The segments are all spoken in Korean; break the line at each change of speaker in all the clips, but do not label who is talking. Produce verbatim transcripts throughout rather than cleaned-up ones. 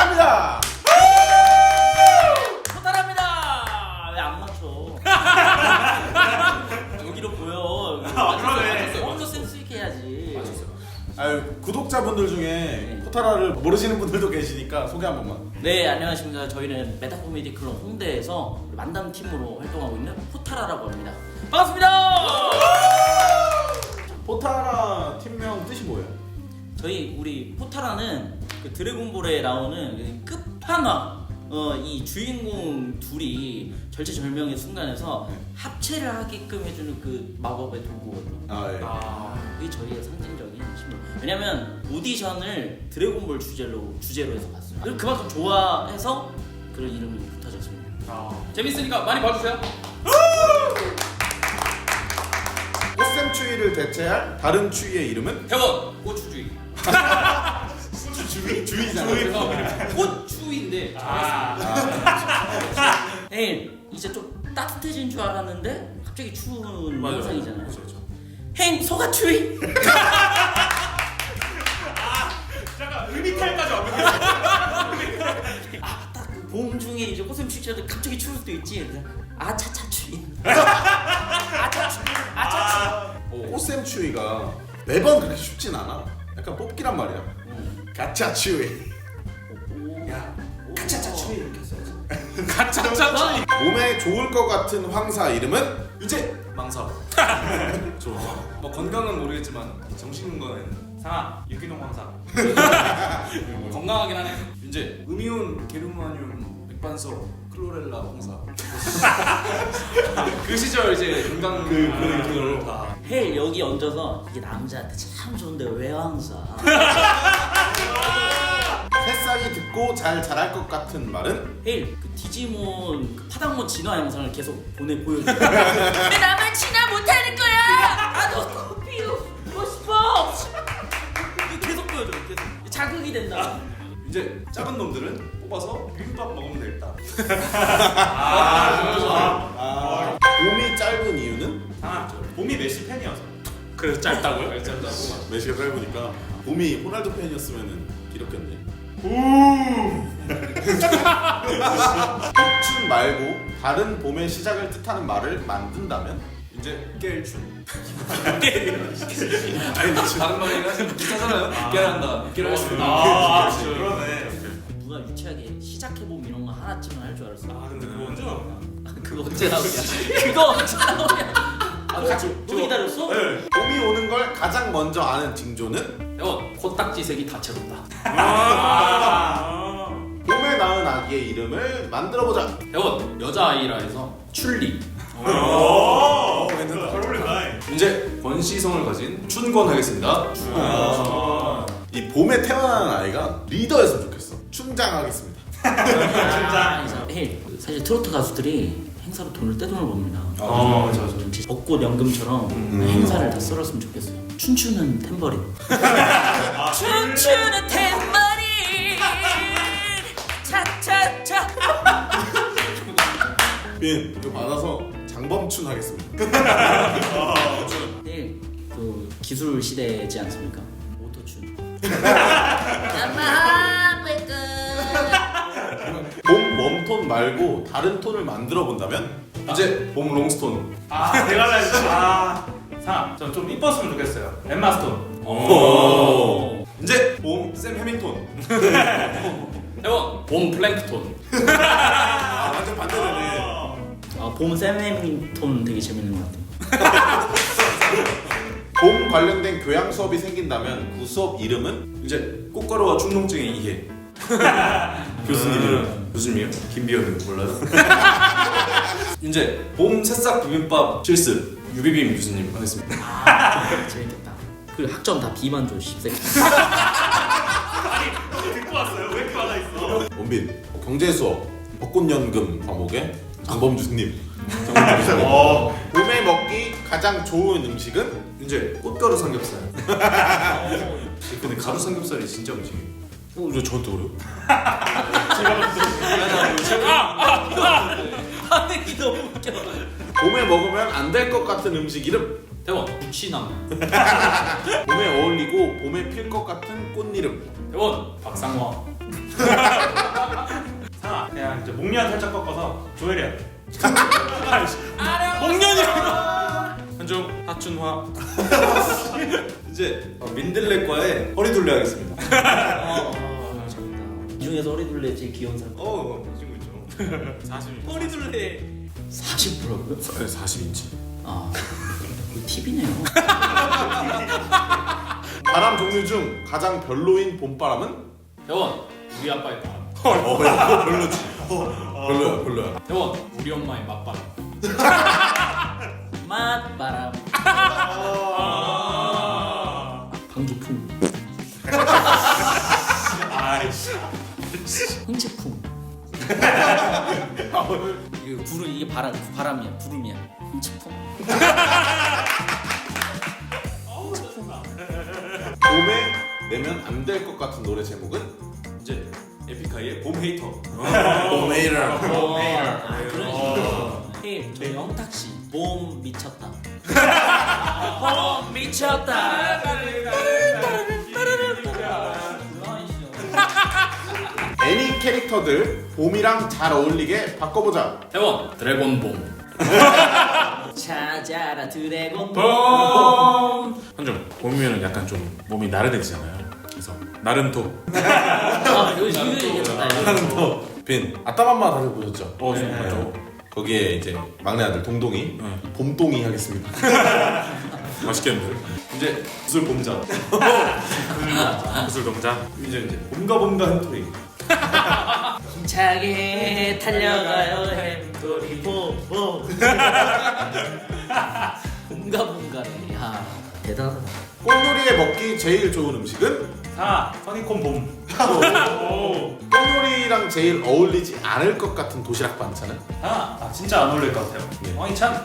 포탈합니다.
포탈합니다. 왜 안 맞춰? 여기로 보여.
아, 그러네.
먼저 센스 있게 해야지.
맞췄어요.
아유, 구독자분들 중에
네.
포탈라를 모르시는 분들도 계시니까 소개 한 번만.
네, 안녕하십니까. 저희는 메타코미디 클럽 홍대에서 만담 팀으로 활동하고 있는 포탈라라고 합니다. 반갑습니다.
포탈라 팀명 뜻이 뭐예요?
저희 우리 포탈라는 그 드래곤볼에 나오는 그 끝판왕 어, 이 주인공 둘이 절체절명의 순간에서 합체를 하게끔 해주는 그 마법의 도구거든요.
아, 예.
아,
그게 저희의 상징적인 힘을. 왜냐면 오디션을 드래곤볼 주제로 주제로 해서 봤어요. 그리고 그만큼 좋아해서 그런 이름이 붙어졌습니다.
아. 재밌으니까 많이 봐주세요.
꽃샘 추위를 대체할 다른 추위의 이름은?
대원 고추주의.
주위? 주위잖아.
고추인데.
아.
에이, 이제 좀 따뜻해진 줄 알았는데 갑자기 추운
맞아요.
현상이잖아요.
그렇죠, 그렇죠.
행 소가추위.
잠깐 의미탈까지 완벽했어.
아, 딱 그 봄 중에 이제 꽃샘 추위처럼 갑자기 추울 수도 있지. 그래서 아차차 추위. 아차추. 아차추.
꽃샘 추위가 매번 그렇게 춥진 않아. 약간 뽑기란 말이야.
음.
가짜 추위.
야,
가차차 추위 이렇게 써야지.
가짜짜 추위.
몸에 좋을 것 같은 황사 이름은?
유재 망사. 좋아. 뭐 건강은 모르겠지만 정신인 거는
상아 유기농 황사.
건강하긴 하네. 윤재 음이온 게르마늄 백반석 클로렐라 황사. 그 시절 이제 건강 그 그걸 다.
헬 여기 얹어서 이게 남자한테 참 좋은데 왜 항상.
새싹이 듣고 잘 자랄 것 같은 말은?
헬 그 디지몬 그 파당몬 진화 영상을 계속 보내 보여줘. 왜 나만 진화 못하는 거야? 나도 피우 고 싶어. 이거 계속 보여줘. 계속 자극이 된다.
이제 작은 놈들은 뽑아서 비빔밥 먹으면 되겠다.
아, 좋아.
아, 봄이 짧은 이유는?
상아 봄이 메시 팬이어서.
그래서 짧다고요? 그래서 짧다고.
메시가 짧으니까 봄이 호날두 팬이었으면 길었겠네. 봄춘 말고 다른 봄의 시작을 뜻하는 말을 만든다면?
이제 깰춘. 아니 다른 말이 사실 비슷하잖아요. 깨한다. 깨를 할수 있는.
아, 그러네.
누가 유치하게 시작해봄 이런 거 하나쯤은 할 줄 알았어.
아, 근데 그거 언제 나오냐?
그거 언제 나오냐? 그거 언제 나오냐? 아, 같이 또 기다렸어?
네.
봄이 오는 걸 가장 먼저 아는 징조는?
대원 코딱지색이 다채롭다.
아.
봄에 낳은 아기의 이름을 만들어보자.
대원 여자아이라 해서 출리.
오. 잘 어울린다.
이제 권시성을 가진 춘권 하겠습니다.
아.
이 봄에 태어나는 아이가 리더였으면 좋겠어. 춘장하겠습니다.
아, 헬 사실 트로트 가수들이 행사로 돈을 떼돈을 법니다.
어, 맞아, 맞아.
이제 벚꽃 연금처럼
음.
행사를 다 썰었으면 좋겠어요. 춤추는 탬버린.
아,
춤추는 탬버린. 차차차.
예, 이거 받아서 장범춘 하겠습니다.
헬 또 기술 시대지 않습니까? 오토춘.
봄 웜톤 말고 다른 톤을 만들어 본다면?
이제 봄 롱스톤.
아, 내가 잘. 아, 상아, 저 좀 이뻤으면 좋겠어요. 엠마 스톤.
오. 이제 봄샘 해밍톤. 대원 봄 플랭크톤.
아, 완전 반대되네.
아, 봄 샘해밍톤 되게 재밌는 것 같아요.
봄 관련된 교양 수업이 생긴다면 그 수업 이름은?
이제 꽃가루와 충농증의 이해. 교수님 이름 교수님이요? 김비현은 몰라요? 이제 봄 새싹 비빔밥 실습 유비빔 교수님 하겠습니다.
아, 재밌겠다. 그 학점 다 B만 줘, 십세.
아니, 듣고 왔어요? 왜 이렇게 많아 있어?
원빈 경제 수업 벚꽃연금 과목에 장범준님. 장범준
어.
봄에 먹기 가장 좋은 음식은?
이제 꽃가루 삼겹살. 근데 가루 삼겹살이 진짜 음식이에요.
어, 왜 저한테 그래요?
반응이 너무 웃겨.
봄에 먹으면 안 될 것 같은 음식 이름?
대원 무치나무.
봄에 어울리고 봄에 필 것 같은 꽃 이름?
대원 박상화.
이제 목련 살짝 꺾어서 조혜련.
목련이라고. 한중 하춘화.
이제 어, 민들레과의 허리둘레 하겠습니다.
어, 어, 이 중에서 허리둘레 제일 귀여운 사람.
어, 이 친구 있죠.
사십.
허리둘레 사십 프로고요?
사십 인치.
아, 거의 팁이네요.
바람 종류 중 가장 별로인 봄바람은?
대원 우리 아빠의 바람.
어, 이거 별로지. 별로야, 별로야.
대원 우리 엄마의 맞바람.
맛바람. 방귀풍.
아이씨.
흥채풍. 이게 구름 이게 바람 바람이야 구름이야. 흥채풍.
봄에 내면 안 될 것 같은 노래 제목은?
이제 에픽하이의 봄 헤이터.
봄에이라.
어, 아, 그런 식으로. 헤이, 저 영탁 씨. 봄 미쳤다. 봄 미쳤다.
애니 캐릭터들 봄이랑 잘 어울리게 바꿔보자.
대원 드래곤봄.
찾아라 드래곤 봄.
한중 봄이면은 약간 좀 몸이 나른해지잖아요. 그래서 나른토.
아, 이거 이거 얘기했다. 이거.
빈 아따맘마 다들 보셨죠?
어, 좀
네.
맞죠.
거기에 이제 막내 아들 동동이
네.
봄동이 하겠습니다.
맛있겠는데.
이제 구슬 봄자.
구슬 동자.
이제 이제 봄가 봄가 햄토리.
힘차게 달려가요 햄토리 봄봄. 봄가 봄가네. 야 대단하다.
꽃놀이에 먹기 제일 좋은 음식은?
사. 허니콤 봄.
꽃놀이랑 제일 어울리지 않을 것 같은 도시락 반찬은?
아, 아 진짜 안 어울릴 것 같아요.
네.
황희찬.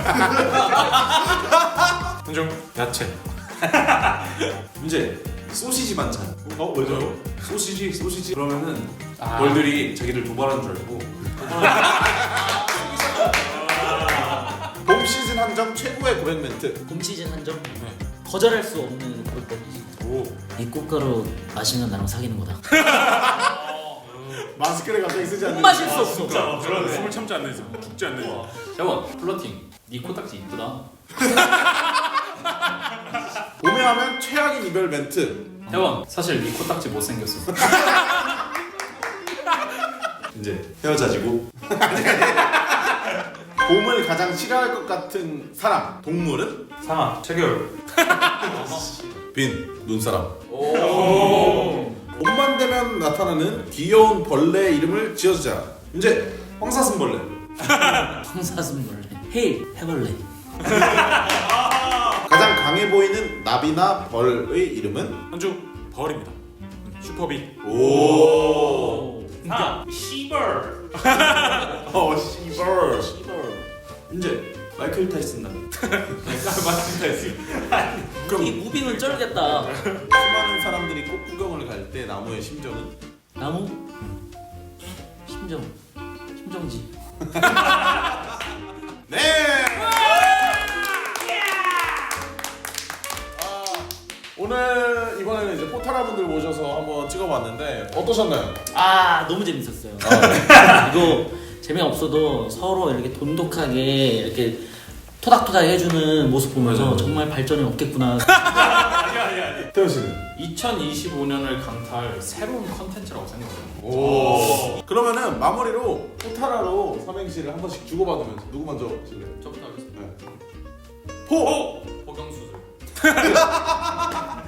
한중 야채.
이제 소시지 반찬.
어 왜죠?
소시지 소시지 그러면은
아.
벌들이 자기들 도발한 줄 알고.
봄 시즌 한정 최고의 고백 멘트.
봄 시즌 한정. 거절할 수 없는 골법이지.
오.
이 꽃가루 마시면 나랑 사귀는 거다.
마스크를 갑자기 쓰지
못
않는.
마실 수 없어.
그런 숨을 참지 않는 이상 죽지 않는 이상.
대원 플러팅. 네 코딱지 이쁘다.
봄에 하면 최악인 이별 멘트.
대원 사실 네 코딱지 못생겼어.
이제 헤어자지고.
봄을 가장 싫어할 것 같은 사람. 동물은?
상아. 최겨울.
빈 눈사람. 봄만 되면 나타나는 귀여운 벌레 이름을 지어주자.
이제 황사슴벌레.
황사슴벌레. 헤일 해벌레.
가장 강해 보이는 나비나 벌의 이름은?
한중 벌입니다. 음, 슈퍼비.
오.
사. 시벌.
어 씨벌.
이제 마이클 타이슨 나.
마이클 타이슨.
이 무빙은 쩔겠다.
수많은 사람들이 꽃 구경을 갈 때 나무의 심정은?
나무. 심정. 심정지.
네. 아, 오늘 이번에는 이제 포탈아분들 모셔서 한번 찍어봤는데 어떠셨나요?
아 너무 재밌었어요. 이거 재미가 없어도 서로 이렇게 돈독하게 이렇게 토닥토닥 해주는 모습 보면서
맞아요.
정말 발전이 없겠구나.
아니 아니 아니.
태현 씨는?
이천이십오 년을 강타할 새로운 컨텐츠라고 생각해요.
오. 그러면은 마무리로 포탈아로 삼행시를 한 번씩 주고받으면서 누구 먼저 하실래요?
저부터 하겠습니다.
네. 포.
호경수술.